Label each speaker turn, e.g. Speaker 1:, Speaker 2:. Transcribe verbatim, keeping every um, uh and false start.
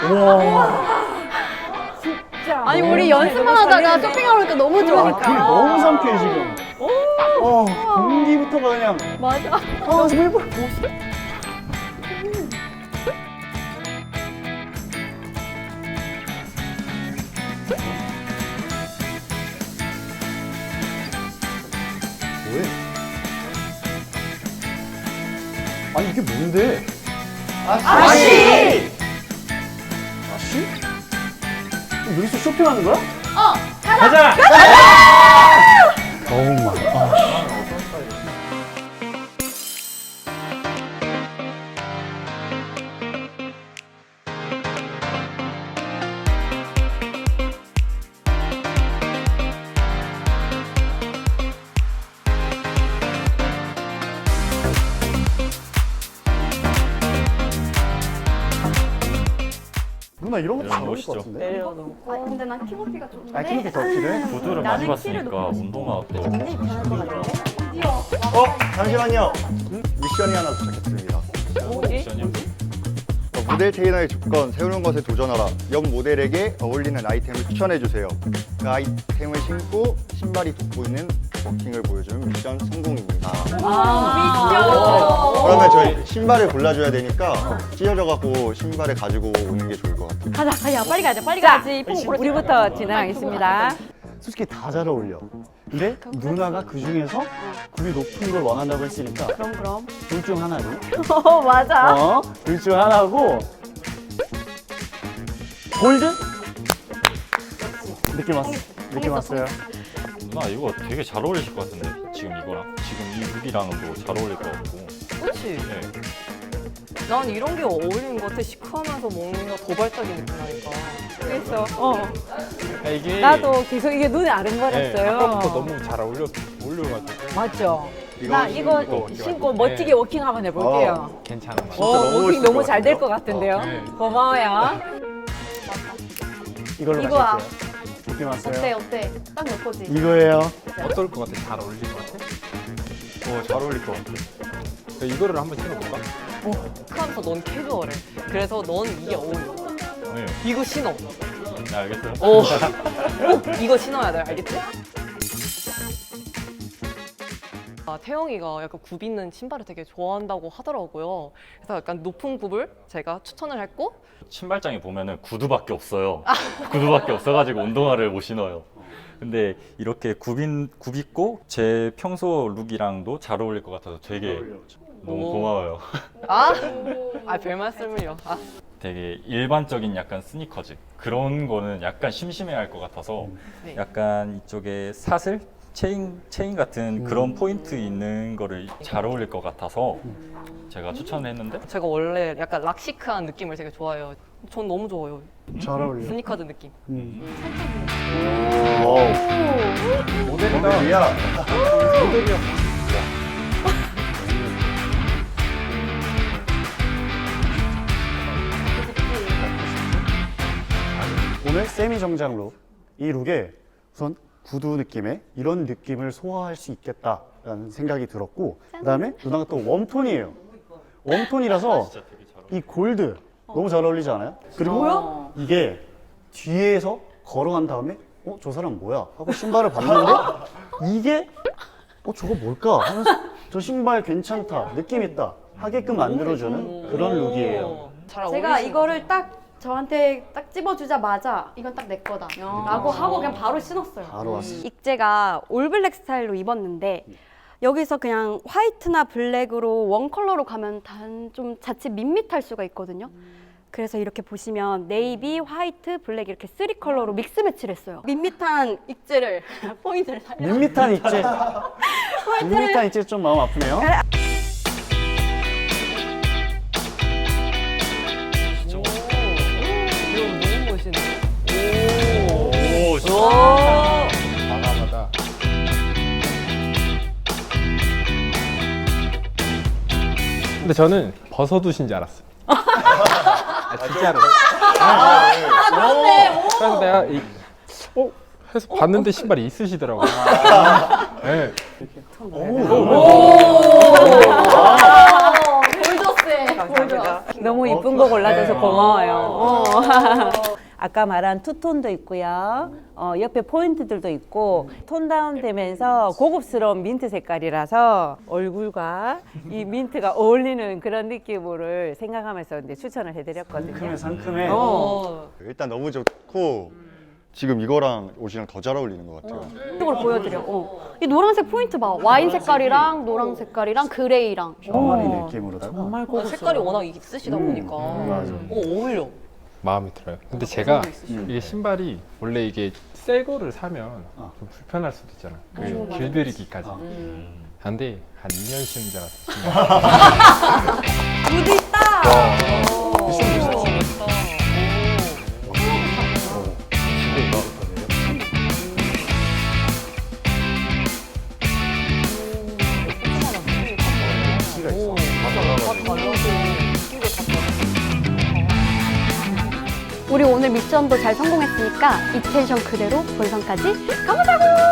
Speaker 1: 와.
Speaker 2: 진짜.
Speaker 3: 아니 우리 연습만 하다가 쇼핑하러 오니까 너무
Speaker 1: 아,
Speaker 3: 좋으니까.
Speaker 1: 되게 너무 상쾌해 지금. 어, 공기부터가 그냥.
Speaker 3: 맞아.
Speaker 1: 어, 정말 뭐. 뭐해? 아니 이게 뭔데?
Speaker 2: 아씨!
Speaker 1: 아씨? 여기서 쇼핑하는 거야?
Speaker 3: 어.
Speaker 4: 가자!
Speaker 1: 어우 마이 아. 누나 이런 것도 잘 어울릴 것 같은데?
Speaker 2: 내려놓고.
Speaker 3: 아 근데 난 키높이가 좋은데.
Speaker 1: 아 키높이 더 필요해?
Speaker 4: 구두를 많이 봤으니까 운동화 또
Speaker 2: 굉장히 편할 것 같은데?
Speaker 1: 어? 잠시만요. 미션이 하나 도착했습니다.
Speaker 4: 미션이요?
Speaker 5: 어, 모델 테이너의 조건, 새로운 것에 도전하라. 옆 모델에게 어울리는 아이템을 추천해주세요. 그 아이템을 신고 신발이 돋보이는 워킹을 보여주면 미션 성공입니다.
Speaker 3: 아,
Speaker 5: 그러면 저희 신발을 골라줘야 되니까 찢어져갖고 신발을 가지고 오는 게 좋을 것 같아요.
Speaker 2: 가자, 가자, 빨리 가자, 빨리 가야지. 우리부터 진행하겠습니다.
Speaker 1: 솔직히 다 잘 어울려. 근데 누나가 그 중에서 굽이 높은 걸 원한다고 했으니까
Speaker 2: 그럼, 그럼.
Speaker 1: 둘 중 하나로.
Speaker 2: 어, 맞아.
Speaker 1: 어? 둘 중 하나고 골드? 느낌 왔어. 느낌 왔어요.
Speaker 4: 누나 이거 되게 잘 어울리실 것 같은데 지금 이거랑 지금 이 룩이랑도 잘 어울릴 것 같고
Speaker 6: 그치?
Speaker 4: 네.
Speaker 6: 난 이런 게 어울리는 것 같아. 시크하면서 뭔가 도발적인 느낌 나니까.
Speaker 2: 그래서, 어.
Speaker 7: 아, 이게
Speaker 2: 나도 계속 이게 눈에
Speaker 7: 네,
Speaker 2: 아른거렸어요.
Speaker 7: 아까부터 너무 잘 어울려 어울려가지고
Speaker 2: 맞죠?
Speaker 5: 이거
Speaker 2: 나 이거
Speaker 5: 신고
Speaker 2: 신고 멋지게 워킹 한번 해볼게요.
Speaker 7: 괜찮은 것
Speaker 2: 어,
Speaker 7: 같아요.
Speaker 5: 너무
Speaker 2: 워킹
Speaker 5: 멋있을
Speaker 2: 너무
Speaker 5: 것
Speaker 2: 잘 될 것
Speaker 5: 같은데요?
Speaker 2: 같은데요.
Speaker 7: 어, 네.
Speaker 2: 고마워요.
Speaker 1: 이걸로
Speaker 3: 이거야.
Speaker 1: 마실게요. 느낌 왔어요.
Speaker 3: 어때 어때? 딱 내 거지.
Speaker 1: 이거예요.
Speaker 7: 어떨 것 같아? 잘 어울릴 것 같아?
Speaker 4: 어, 잘 어울릴 것 같아.
Speaker 7: 그럼 이거를 한번 신어볼까?
Speaker 6: 시크하면서 넌 캐주얼해. 그래서 넌 이게 어울려.
Speaker 4: 네.
Speaker 6: 이거 신어.
Speaker 4: 네, 알겠어요?
Speaker 6: 어. 꼭 이거 신어야 돼. 알겠지? 아, 태영이가 약간 굽 있는 신발을 되게 좋아한다고 하더라고요. 그래서 약간 높은 굽을 제가 추천을 했고
Speaker 4: 신발장에 보면은 구두밖에 없어요. 구두밖에 없어가지고 운동화를 못 신어요. 근데 이렇게 굽인, 굽 있고 제 평소 룩이랑도 잘 어울릴 것 같아서 되게 너무
Speaker 6: 오.
Speaker 4: 고마워요.
Speaker 6: 아, 아, 별 말씀을요. 아.
Speaker 4: 되게 일반적인 약간 스니커즈 그런 거는 약간 심심해할 것 같아서
Speaker 6: 네.
Speaker 4: 약간 이쪽에 사슬? 체인, 체인 같은 그런 포인트 있는 거를 잘 어울릴 것 같아서 제가 추천을 했는데
Speaker 6: 제가 원래 약간 락시크한 느낌을 되게 좋아해요. 전 너무 좋아요.
Speaker 1: 잘 어울려.
Speaker 6: 스니커즈 느낌.
Speaker 1: 음.
Speaker 5: 와우.
Speaker 7: 모델이다.
Speaker 5: 모델이야.
Speaker 7: 모델이야.
Speaker 1: 오늘 세미 정장 룩. 이 룩에 우선 구두 느낌의 이런 느낌을 소화할 수 있겠다라는 생각이 들었고 그다음에 누나가 또 웜톤이에요. 웜톤이라서 이 골드 너무 잘 어울리지 않아요? 그리고 이게 뒤에서 걸어간 다음에 어? 저 사람 뭐야? 하고 신발을 봤는데 이게 어? 저거 뭘까? 하면서 저 신발 괜찮다, 느낌 있다 하게끔 만들어주는 그런 룩이에요.
Speaker 6: 잘
Speaker 3: 제가
Speaker 6: 어울리시는
Speaker 3: 이거를 딱 저한테 딱 집어주자마자 이건 딱 내 거다 라고 하고 그냥 바로 신었어요.
Speaker 1: 바로 왔어.
Speaker 8: 익제가 올블랙 스타일로 입었는데 여기서 그냥 화이트나 블랙으로 원 컬러로 가면 단 좀 자칫 밋밋할 수가 있거든요. 그래서 이렇게 보시면 네이비, 화이트, 블랙 이렇게 쓰리 컬러로 믹스 매치를 했어요. 밋밋한 익제를 포인트를 살려.
Speaker 1: 밋밋한 입체. 밋밋한 입체 좀 마음 아프네요.
Speaker 6: 이거 너무 멋있네.
Speaker 4: 오, 진짜.
Speaker 7: 과감하다. 근데 저는 벗어두신 줄 알았어. 아, 진짜로. 그래서 내가 이, 어? 해서 봤는데 신발이 있으시더라고요. 네.
Speaker 3: 골드세.
Speaker 2: 감사합니다. 너무 이쁜 거 골라줘서 고마워요. 어. 아까 말한 투톤도 있고요. 어, 옆에 포인트들도 있고 톤 다운 되면서 고급스러운 민트 색깔이라서 얼굴과 이 민트가 어울리는 그런 느낌을 생각하면서 이제 추천을 해드렸거든요.
Speaker 1: 상큼해 상큼해.
Speaker 2: 어.
Speaker 5: 일단 너무 좋고 지금 이거랑 옷이랑 더 잘 어울리는 것 같아요.
Speaker 3: 이걸 보여드려. 어. 이 노란색 포인트 봐. 와인 색깔이랑 노랑 색깔이랑 그레이랑.
Speaker 1: 병아리
Speaker 2: 어.
Speaker 1: 느낌으로다가.
Speaker 2: 정말
Speaker 6: 어,
Speaker 2: 고급스러워.
Speaker 6: 색깔이 워낙 있으시다
Speaker 1: 음,
Speaker 6: 보니까
Speaker 1: 맞아.
Speaker 6: 어, 어울려.
Speaker 7: 마음에 들어요. 근데 제가 이게 신발이 원래 이게 새 거를 사면
Speaker 1: 어.
Speaker 7: 좀 불편할 수도 있잖아. 그 길들이기까지.
Speaker 1: 어.
Speaker 7: 근데 한 이 년 신은 줄 알았어.
Speaker 8: 무드 있다.
Speaker 1: 키가 있어.
Speaker 3: 우리 오늘 미션도 잘 성공했으니까 이 텐션 그대로 본선까지 가보자고!